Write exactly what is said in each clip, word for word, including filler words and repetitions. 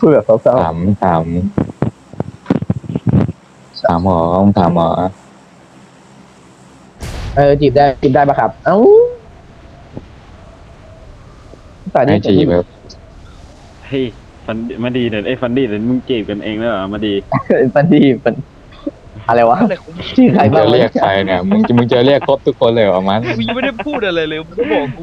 พูดแบบเศร้าถามถามถามหมอถามหมอๆเออจีบได้จีบได้ปะครับเอ้าแต่ให้นี่จีบแบบเฮ้ยฟันมาดีเดี๋ยวไอ้ฟันดี้เดี๋ยวมึงจีบกันเองแล้วเหรอมาดีปันดีปันอะไรวะอะไรของชื่อใครมึงบ้างจะวะเรียกใครเนี่ยมึงมึงจะเรียกครบทุกคนเลยเหรอมันกูยังไม่ได้พูดอะไรเลยมึงก็บอกกู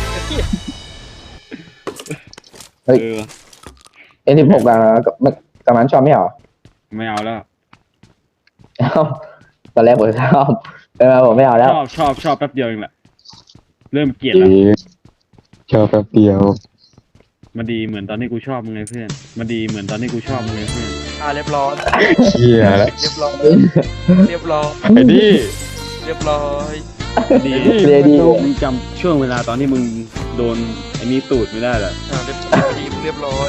เออเอ็นสิบหกกับกับกับมันชอบไม่เหรอไม่เอาแล้วเอ้าตอนแรกผมชอบแต่มาผมไม่เอาชแล้วอบชอบชอบแป๊บเดียวเองแหละเริ่มเกลียดจีแล้วบชอบแป๊บเดียวมาดีเหมือนตอนที่กูชอบมึงไงเพื่อนมาดีเหมือนตอนที่กูชอบมึงไงเพื่อนอ่าเรียบร้อยเชี่ยแล้วเรียบร้อยเรียบร้อยไอ้ดิเรียบร้อยดีเรดี้มึงจำช่วงเวลาตอนที่มึงโดนไอ้นี่ตูดไม่ได้เหรออ่าเรียบร้อยเรียบร้อย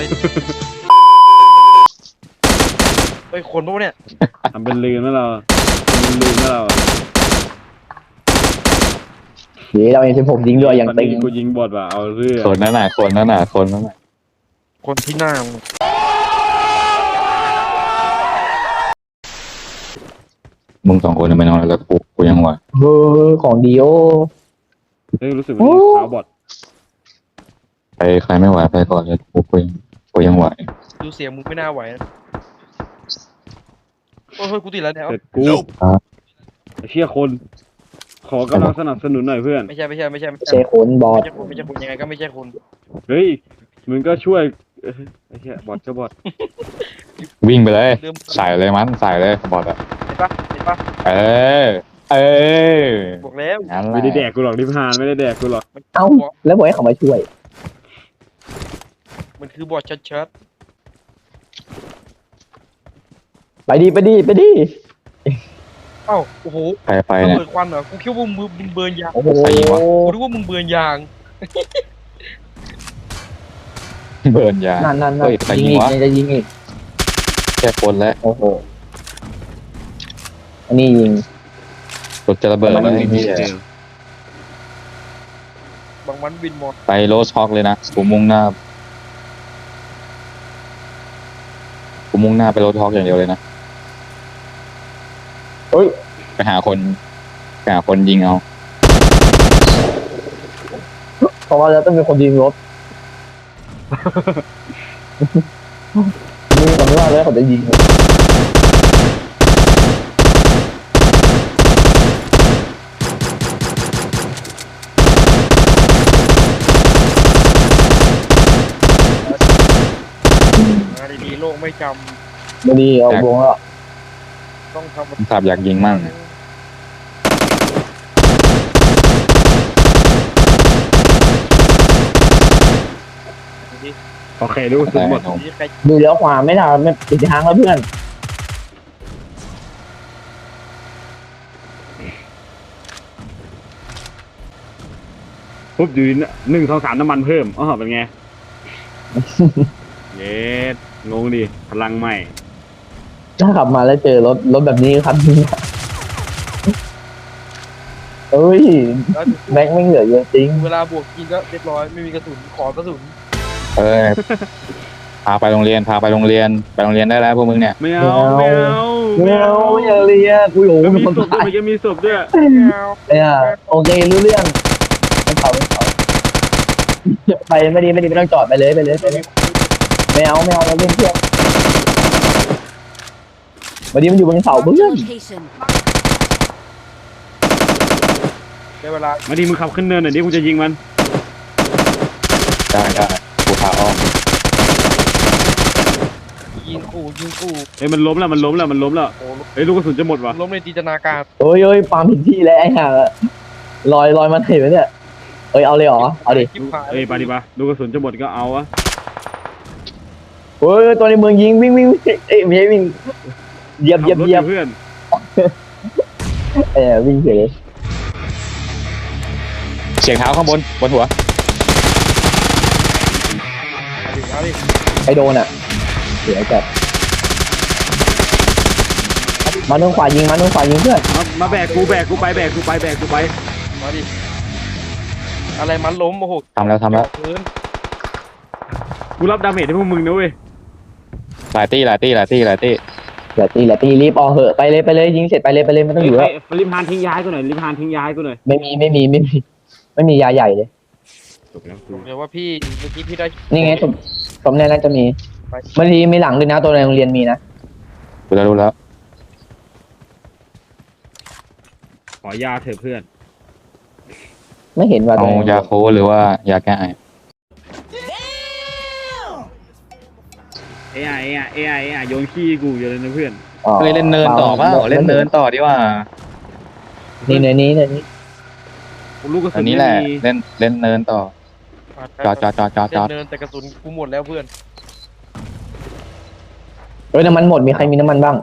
เฮ้ยคนพวกเนี่ยทำเป็นลืมแล้วเราทำเป็นลืมแล้วเราเดี๋ยวเราเอ็นสิบหกยิงด้วยอย่างตอนตึงนี้กูยิงบอดว่ะเอาเรื่องคนนั้นน่ะคนนั้นน่ะคนนั้นน่ะคนที่หน้ามึงมึงสองคนไม่นอนแล้วกูกูยังไหวเออของดีโอเฮ้ยรู้สึกว่าเท้าบอดใครใครไม่ไหวไปก่อนเลยกูกูยังกูยังไหวดูเสียงมึงไม่น่าไหวนะโอ้ยเฮ้ยกูติดแล้วเนี่ยเสร็จกูไอ้เชี่ยคน ขอกำลังสนับสนุนหน่อยเพื่อนไม่ใช่ไม่ใช่ไม่ใช่ไม่เชใช่คุนบอไม่ดใช่คนไม่ใช่คนยังไงก็ไม่ใช่คนเฮ้ยมึงก็ช่วยเอ้ยไอ้เชี่ยบอดก็บอดวิ่งไปเลยใส่เลยมันใส่เลยบอดอะเห็นปะเห็นปะเออเออบอกแล้วงั้นแหละไม่ได้แดกกูหรอกนิพพานไม่ได้แดกกูหรอกมันเอ้าแล้วบอกให้เขามาช่วยมันคือบอดชัดไปดีไปดีไปดีๆเอ้าโอ้โหใครไประเนี่ยเบิดควันเหรอกูคิดว่ามึงมึงเบิร์นยางโอ้โหใครยิงวะกูนึกว่ามึงเบิร์นยางเบิร์นยานั่นนั่นนั่นเฮ้ยใครยิงยิงอีกวะจะยิงอีกแค่คนแล้วโอ้โหอันนี้ยิงรถจะระเบิดแล้วไอ้เหี้ยบางวันบินมอไปโรสช็อกเลยนะกูมุ่งหน้ากูมุ่งหน้าไปโรสช็อกอย่างเดียวเลยนะเฮ้ยไปหาคนไปหาคนยิงเอาเพราะว่าแล้วต้องมีคนยิงรถนี่ผมไม่ว่าแล้วเขาจะยิงมาดีๆโลกไม่จไม่ดีเอาวงแล้วำต้องทำผมขับอยากยิงมั่งโอเครู้สึกหมดนี่ใครดูเลี้ยวขวาไม่ได้ไม่ติดทางแล้วเพื่อนปุ๊บอยู่ดีนะหนึ่งสองสามน้ำมันเพิ่มอ๋อเป็นไง เย็ดงงดิพลังใหม่ถ้าขับมาแล้วเจอรถรถแบบนี้ครับเอ้ยแล้วแม็กไม่เหลือเยอะจริงเวลาบวกกินก็เรียบร้อยไม่มีกระสุนขอกระสุนเออพาไปโรงเรียนพาไปโรงเรียนไปโรงเรียนได้แล้วพวกมึงเนี่ยไม่เอาไม่เอาไม่เอาอย่าเรียกอุ้ยโหแล้วมีมีคนศพด้วตาย ยมันจะมีศพด้วยเนี่ยโอเครู้เรื่องไม่เขาไม่เขาไปไม่ดีไม่ดีไม่ต้องจอดไปเลยไปเลยไปเลยไม่เอาไม่เอาเราเล่นเที่ยววันนี้มันอยู่บนเสาเพื่อน Location. ได้เวลามาดีมึงขับขึ้นเนินหน่อยดิกูจะยิงมันได้ได้กูพาอ้อมยิงขู่ยิงขู่เอ้ยมันล้มแล้วมันล้มแล้วมันล้มแล้วโอ้เอ้ยลูกกระสุนจะหมดว่ะล้มในจินตนาการเอ้ยเอ้ยปาล์มผิดที่แล้วไอ้ห่าลอยลอยมาไหนวะเนี่ยเอ้ยเอาเลยเหรอเอาดิชิบหายเอ้ยไปดิปะลูกกระสุนจะหมดก็เอาอะเฮ้ยตัวในเมืองยิงวิ่งวิ่งวิ่งเอ้ยไม่ใช่วิ่งเหยียบเหยียบขัรถเหยียบเพื่อนเออวิ่งเฉยเสียงเท้าข้างบนบนหัวเอาดิเอาดิไอโดนอ่ะเสียจัดมาทางขวายิงมาทางขวายิงเพื่อนมามาแบกกูแบกกูไปแบกกูไปแบกกูไปมาดิอะไรมันล้มโอ้โหทำแล้วทำแล้วเกินกูรับดาเมจให้พวกมึงนะเว้ยหลายตี้หลายตี้หลายตี้หลายตี้เดี๋ยวตีแหละตีรีบออกเหอะไปเลยไปเลยยิงเสร็จไปเลยไปเลยไม่ต้องอยู่แล้วเฮ้ยริมหานทิ้งย้ายกูหน่อยริมหานทิ้งย้ายกูหน่อยไม่มีไม่มีไม่มีไม่มียาใหญ่เลยจบแล้วกูเดี๋ยวว่าพี่เมื่อกี้พี่ได้นี่ไงสมสมแน่น่าจะมีไปบางทีมีหลังด้วยนะตัวในโรงเรียนมีนะรู้แล้วรู้แล้วขอยาเถอะเพื่อนไม่เห็นว่าเอาตัวในโรงเรียาน โค้ดหรือว่ายาแก้ไอเอ้ยเอ้ยเอ้ยเอ้ยโยนขี้กูอยู่เลยนะเพื่อนอ๋อเฮ้ยเล่นเนินต่อเปล่าเล่นเนินต่อดีกว่านี่เนินนี้เนินนี้ลูกกระสุอันนนี้ไม่แหละมีเล่นเล่นเนินต่อจอดจอดจอดจอดจอดเดินแต่กระสุนกูหมดแล้วเพื่อนเฮ้ยน้ำมันหมดมีใครมีน้ำมันบ้าง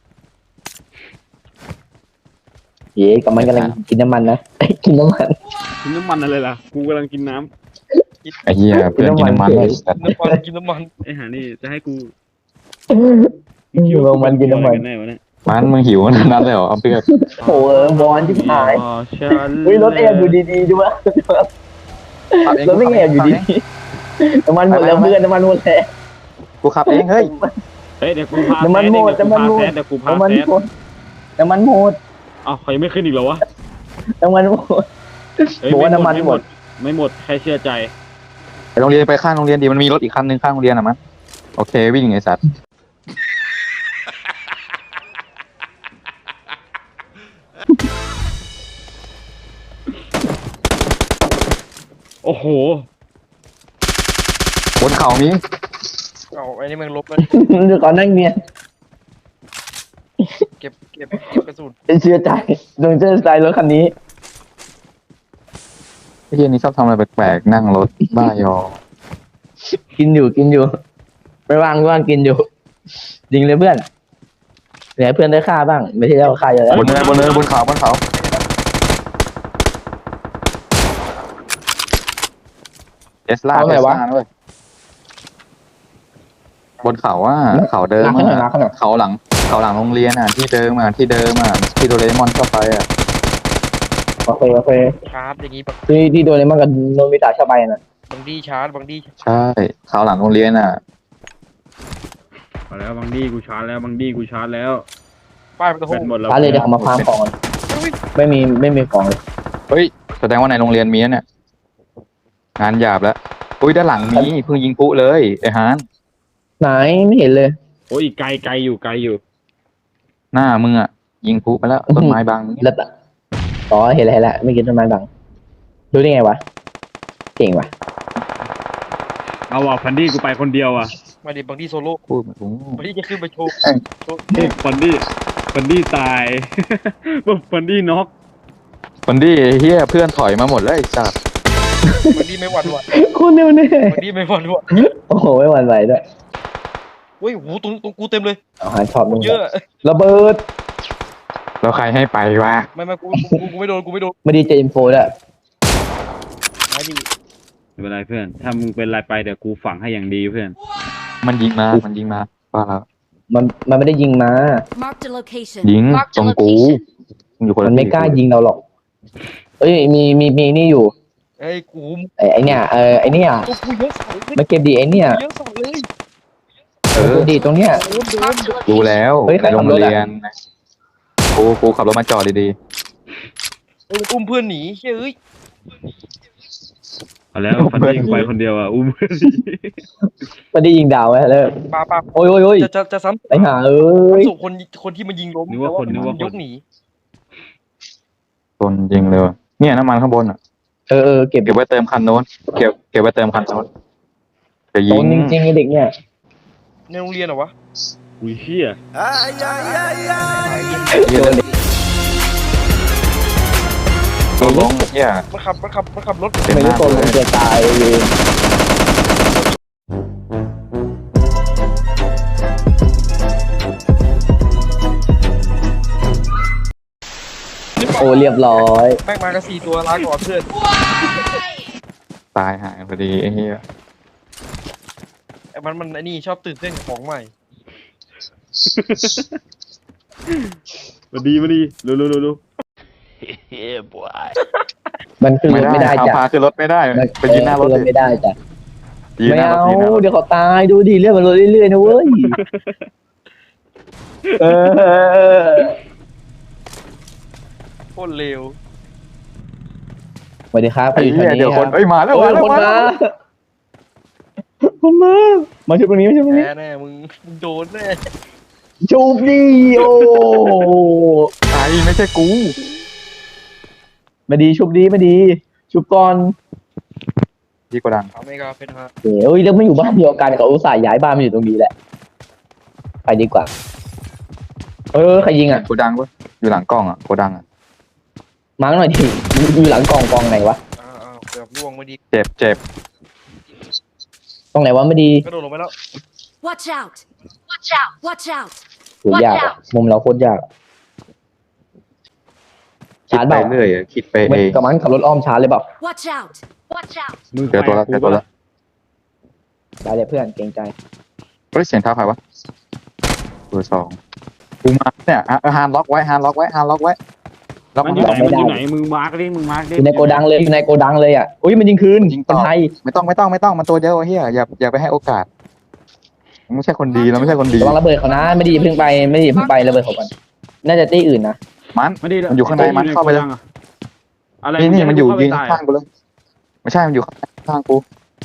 เย้กับมันกำลังกินน้ำมันนะ กินน้ำมันกินน้ำมันอะไรล่ะกูกำลังกินน้ไอ้เหี้ยเพื่อนกินน้ำมันเลยสัตว์น้ำมันกินน้ำมันำไอ้หานี่จะให้กูลงมันกินน้ำมันกัแน่วะเนี่ยมันมึงหิวขนาดนั้นเลยเหรอเอาเพื่อนโอ้ยบอลที่หายอ๋อฉันเฮ้ยรถแอบอยู่ดีๆดูว่ารถไม่แอบอยู่ดีๆน้ำมันหมดแล้วเพื่อนน้ำมันหมดแล้วกูขับเองเฮ้ยเฮ้ยเดี๋ยวกูพาน้ำมันหมดเดี๋ยวกูน้ำมันพาหมดแซดเดี๋ยวกูพาน้ำมันแซดหมดน้ำมันหมดอ้าวใครไม่ขึ้นอีกเหรอวะน้ำมันหมดเฮ้ยบอกว่าน้ำมันไหมดไม่หมดแค่เชื่อใจไปโรงเรียนไปข้างโรงเรียนดีมันมีรถอีกคันนึงข้างโรงเรียนอ่ะมั้งโอเควิ่งไอ้สัตว์โอ้โหบนเขามีเอาไอ้นี่มันลบแล้วดูก่อนนั่งเนี่ยเก็บเก็บเก็บกระสุนเชื่อใจดวงเชื่อใจรถคันนี้ไอ้เหี้ยนี่ชอบทำอะไรแปลกๆนั่งรถบ้ายอกินอยู่กินอยู่ไม่ว่างไม่ว่างกินอยู่จริงเลยเพื่อนเหลือให้เพื่อนได้ค่าบ้าง ไม่ใช่เราค่าเยอะแล้วบนเนินบนเนินบนเขาบนเขาเทสลาเอาเทไหนสวะลาด้วยเขาบนเขาอ่ะเขาเดิมมาข้างหลังมาอ่ะข้างหลังเขาหลังเขาหลังโรงเรียนอ่ะที่เดิมอ่ะที่เดิมอ่ะที่โดเรมอนเข้าไปอ่ะโอเคโอเคชาร์จอย่างงี้ปะที่ที่โดนเลยมันกับโนมิตะชอบไปน่ะบางดีชาร์จบางดีใช่เขาหลังโรงเรียนอ่ะมาแล้วบางดีกูชาร์จแล้วบางดีกูชาร์จแล้วป้ายมันก็แบโหตหมดแล้วร้านเลยเดี๋ยวเขามาฟาร์มของก่อนไม่มีไม่มีของเลยเฮ้ยแสดงว่าในโรงเรียนมีนะเนี่ยงานหยาบแล้วอุ้ยด้านหลังมีเพิ่งยิงปุ๊เลยไอ้ฮานไหนไม่เห็นเลยโอ้ยอีกไกลไกลอยู่ไกลอยู่หน้ามึงอ่ะยิงปุ๊ไปแล้วต้นไม้บังแล้วแต่อ๋อเห็นแล้วเห็นแล้วไม่กินต้นไม้บังดูได้ไงวะเก่งว่ะเอาว่ะพันดี้กูไปคนเดียวอ่ะมาดิบางดีโซโล่พูดมาถึงบางดีจะขึ้นไปโชว์โชว์พันดี้พันดี้ตาย พันดี้น็อกคนที่เฮียเพื่อนถอยมาหมดแล้วไอ้สัตว์บางดีไม่หวั่นไหวคุณเนี่ยเนี่ยบางดีไม่หวั่นไหวโอ้โหไม่หวั่นไหวด้วยเฮ้ยโหตรงตรงกูเต็มเลยเอาหาชอบมึงเยอะระเบิดแล้วใครให้ไปวะไม่ไม่กูกูกูไม่โดนกูไม่โดนไม่ดีเจอินโฟด้วยไม่ดีไม่เป็นไรเพื่อน ถ้ามึงเป็นไรไปเดี๋ยวกูฝังให้อย่างดีเพื่อนมันยิงมามันยิงมาว่าแล้วมันมันไม่ได้ยิงมา Marked a location. ยิง Marked ตรง a กู location. มึงอยู่คนมัละนไม่ที่กล้ายิงเราหรอกเอ้ยมีมีมีนี่อยู่เอ้ยกูไอ้ไอเนี่ยเออไอเนี่ยกูกูเยอะสัสเลยมาเก็บดีไอเนี่ยเยอะสัสเลยเออดีตรงเนี้ย Marked a รู้ location. แล้วเฮ้ยใครในโรงขับรถอะเรียนกูกูขับรถมาจอดดีเอ้ยมันอุ้มเพื่อนหนีเฮ้ยเอ้ยเอาแล้วพันดี้กูไปคนเดียวอ่ะอุ้มไม่ได้ยิงดาวไว้เลยปาปาโอ้ยโอ้ยโอ้ยจะจะจะซ้ำไอห่าเอ้ยส่งคนคนที่มันยิงล้มนึกว่าคนแต่นึกว่าคนยกหนีๆคนยิงเลยว่ะเนี่ยน้ำมันข้างบนอ่ะเออเออเก็บเก็บไว้เติมคันโน้นเก็บเก็บไว้เติมคันโน้นจะยิโดงนจริงๆไอเด็กเนี่ยในโรงเรียนเหรอวะอุ้ยเชี่ยเหี้ยตัวลงเฮียมันขับมันขับมันขับรถเต็มไม่หรู้น้าตัวเลมันยจะตายเองโอ้เรียบร้อยแม่งมากันสี่ตัวลาก่อนเพื่อนตายหายพอดีไอ้เฮียไอ้มันมันไอ้นี่ชอบตื่นเต้นกับของใหม่มาดีมาดีเร็วเร็วเร็วเร็วมันขึ้นรถไม่ได้เอาจ้ะพาขึ้นรถไม่ได้มันไปยืนหน้ารถขึ้นรถดิไม่ได้จ้ะดีไม่นะรถเอาดีนะรถเดี๋ยวเขาตายดูดิเรื่องมันลดเรื่อยๆนะเว้ยเออโคตรเร็วสวัสดีครับใครไอ้อยู่แถเหี้วย นี้เดี๋ยวคครันบเอ้ยมาแล้วโอ้มาย แล้วคนมามาแล้วคนมามาชุบตรงนี้มาชุบตรงแพ้นี้แน่มึงมึงโดนแน่ชุบดิโอ้ไอ้ไม่ใช่กูมาดีชุบดีมาดี ชุบก่อนที่โกดังเอาไม่ก็เป็นฮะเดี๋ยวแล้วไม่อยู่บ้านเดียวกันเขาอุตส่าห์ย้ายบ้านมาอยู่ตรงนี้แหละไปดีกว่า เออใครยิงอ่ะโกดังปะอยู่หลังกล้องอ่ะโกดังอ่ะมาร์กหน่อยดิอยู่หลังกองกองไหนวะอ้าวอ้าวเกือบล่วงไม่ดีเจ็บเจ็บตรงไหนวะไม่ดีกระโดดลงไปแล้ว Watch out! Watch out! Watch out! ถือยากอะมุมเราโคตรยากคิดชาร์จไปเปล่าเรื่อยอะคิดไปไม่เองกับมันขับรถอ้อมชาร์จเลยเปล่า Watch out! Watch out! มึงเจอตัวละใครเจอตัวละได้เลยเพื่อนเกรงใจเฮ้ยเสียงเท้าใครวะตัวสองกูมาเนี่ยอ่ะฮานล็อกไว้ฮานล็อกไว้ฮานล็อกไว้ล็อกมันมาอยู่ไหนไม่มันได้อยู่ไหนมึงมาร์กดิมึงมาร์กดิอยู่ในโกดังเลยอยู่ในโกดังเลยอ่ะอุ้ยมันยิงคืนยิงเป็ต่นอไทยไม่ต้องไม่ต้องไม่ต้องมันตัวเดียวเฮียอย่าอย่าไปให้โอกาสมึงไม่ใช่คนดีเราไม่ใช่คนดีระวังระเบิดเขานะไม่ดีเพิ่งไปไม่ดีเพิ่งไประเบิดเขาก่อนน่าจะตีอื่นนะมันไม่ได้มันอยู่ข้างในมันเข้าไปเลยอะไรนี่นี่มันอยู่ยิงข้าข้างกูเลยไม่ใช่มันอยู่ข้างกู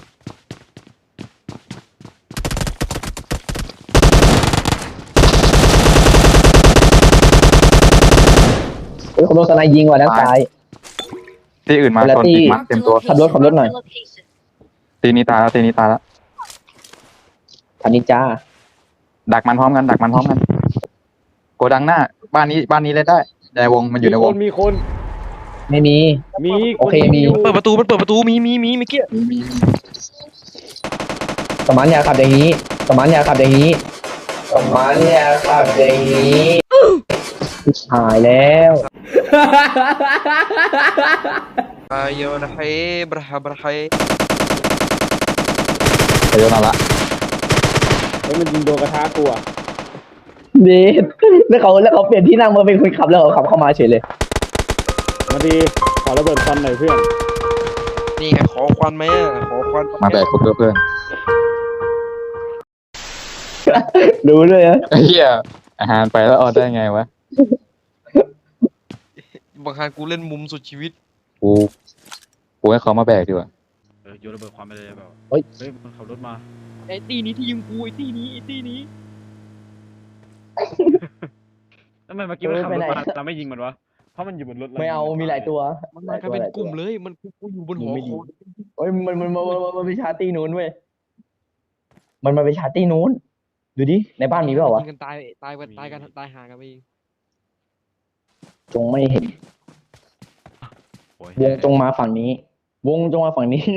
เฮ้ยเขาโดนสไนยิงว่ะด้านซ้ายที่อื่นมาคนละชนที่อีกมั้งเต็มตัวขับรถขับรถหน่อย Marked a location. ตีนี้ตายแล้วตีนี้ตายแล้วทันนิจ้าดักมันพร้อมกันดักมันพร้อมกันโกดังหน้า บ้านนี้บ้านนี้เล่นได้ในวงมันอยู่ในวงมีคนไม่มีมีโอเคมีนเปิดประตูมันเปิดประตูมีมีมีเมื่อกี้มีมีมีสมานอย่าขับอย่างนี้สมานอย่าขับอย่างนี้สมานอย่าขับอย่างนี้หายแล้วอายอนะเฮบราฮบราเฮไปโยนเอาละเฮ้ยมันยิงโดนกระทะกูอ่ะเดทแล้วเขาแล้วเขาเปลี่ยนที่นั่งมาเป็นคนขับแล้วเขาขับเข้ามาเฉยเลยมาดีขอระเบิดควันหน่อยเพื่อนนี่ไงขอควันไหมอ่ะขอควันมาแบกกูด้วยเพื่อนรู้เลยนะไอ้เหี้ยอาหารไปแล้วเอาได้ไงวะบางครั้งกูเล่นมุมสุดชีวิตกูกูให้เขามาแบกดีกว่าเออโยนระเบิดควันไปเลยแบบเฮ้ยเฮ้ยมันขับรถมาไอ้ตีนี้ที่ยิงกูไอ้ตีนี้ไอ้ตีนี้ทำไมเมื่อกี้มันขับรถมาเราไม่ยิงมันวะเพราะมันอยู่บนรถรไม่เอามีหลายตัวมันมากันเป็นกลุ่มเลยมันกูกูอยู่บนหอคอยเฮ้ยมันมันมันมันมันไปชาร์ตี้นู้นเว้ยมันมาไปชาร์ตี้นู้นดูดิในบ้านมีเปล่าวะยิงกันตายตายกันตายกันตายหากันไปเองจงไม่เห็นโอ้ยวงจงมาฝั่งนี้ วงจงมาฝั่งนี้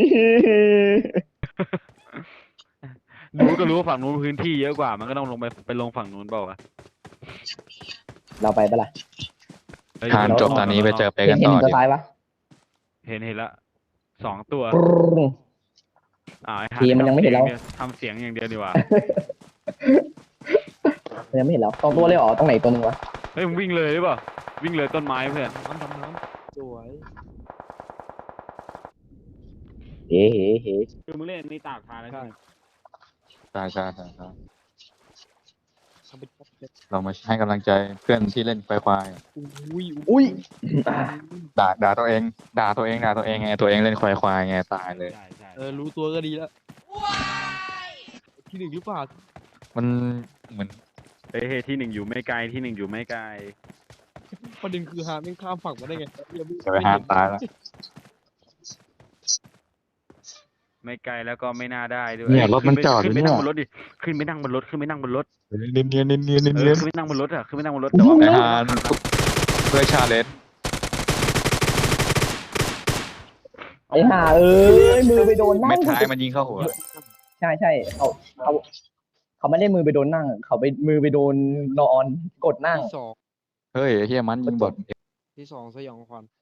รู้ก็รู้ว่าฝั่งนู้นพื้นที่เยอะกว่า มันก็ต้องลงไปไปลงฝั่งนู้นเปล่าวะเราไปปะล่ะเฮ้ยทานจบตอนนี้ไปเจอไปเห็กัน นเห็นต่อตัวดิท้ายปะเห็นเห็นละสองตัวปรึ้งอ่าไอ้ทีมันยังไม่เห็นเราทำเสียงอย่างเดียวดีกว่ามันยังไม่เห็นแล้วสองตัวเลยเหรอตรงไหนตัวหนึงวะเฮ้ยมึงวิ่งเลยหรือเปล่าวิ่งเลยต้นไม้เพื่อนน้ำดำน้ำสวยเฮ้เฮ้เฮ้คือมึงเล่นนี่ตากทานแล้วใช่ใช่ใช่ใช่ใช่ทำเป็นป๊อปเลยเรามาให้กำลังใจเพื่อนที่เล่นควายควายอุ้ยอุ้ยด่าด่าตัวเอง ด่าตัวเองด่าตัวเองไงตัวเองเล่นควายควายไงตายเลยใช่ใช่เออรู้ตัวก็ดีแล้วที่หนึ่งหรือเปล่ามันเหมือนเฮ้ยเฮ้ยที่หนึ่งอยู่ไม่ไกลที่หนึ่งอยู่ไม่ไกลประเด็นคือฮาไม่งข้ามฝั่งมาได้ไงยังไม่จะไปหาตายแล้วไม่ไกลแล้วก็ไม่น่าได้ด้วยเนี่ยรถมันจอดอขึ้ยู่นไปเนี่นั่ยงบนรถดิขึ้นไปนั่งบนรถขึ้นไปนั่งบนรถเนียนเนียนเนียนเนียนเนียนเอเนียอน ขึ้นไปนั่งบนรถอะขึ้นไปนั่งบนรถแต่ว่าไอ้ฮานเพื่อชาเลนจ์ไอ้ห่าเอ้ยมือไปโดนนั่เม็งดท้ายมันยิงเข้าหัวใช่ใช่เขาเขาเขาไม่ได้มือไปโดนนั่ง เขาไปมือไปโดนนอนกดนั่งที่สองเฮ้ยไอ้เฮียมันยิงบอดที่สองสยองขวัญ